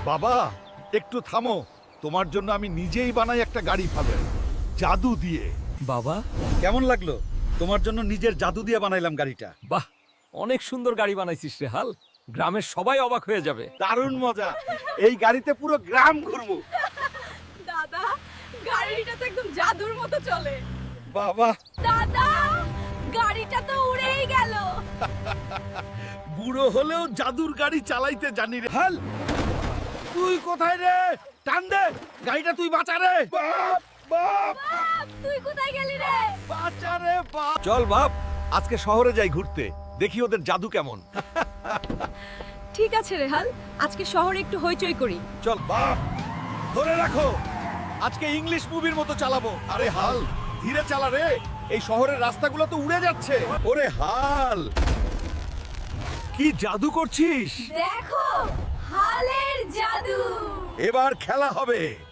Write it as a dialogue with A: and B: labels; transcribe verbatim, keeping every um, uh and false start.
A: বাবা একটু থামো, তোমার জন্য আমি নিজেই বানাই একটা গাড়ি ফাদার, জাদু দিয়ে।
B: বাবা,
A: কেমন লাগলো? তোমার জন্য নিজের জাদু দিয়ে বানাইলাম গাড়িটা।
B: বাহ, অনেক সুন্দর গাড়ি বানাইছিস রে হাল। গ্রামের সবাই অবাক হয়ে যাবে।
A: দারুণ মজা, এই গাড়িতে পুরো গ্রাম ঘুরবো।
C: দাদা, গাড়িটা তো একদম জাদুর মতো চলে।
A: বাবা,
C: দাদা, গাড়িটা তো উড়েই গেল।
A: বুড়ো হলেও জাদুর গাড়ি চালাইতে জানি রে। হাল, তুই কোথায় রে? টান দে, গাড়িটা তুই বাঁচা রে। বাপ, বাপ,
C: বাপ, তুই কোথায় গেলি রে?
A: বাঁচা রে বাপ। চল বাপ, আজকে শহরে যাই ঘুরতে, দেখি ওদের জাদু কেমন।
C: ঠিক আছে রেহাল, আজকে শহরে একটু হইচই করি।
A: চল বাপ, ধরে রাখো, আজকে ইংলিশ মুভির মতো চালাবো। আরে হাল, ধীরে চালা রে, এই শহরের রাস্তাগুলো তো উড়ে যাচ্ছে। ওরে হাল, কি জাদু করছিস?
C: দেখো, হালের জাদু।
A: এবার খেলা হবে।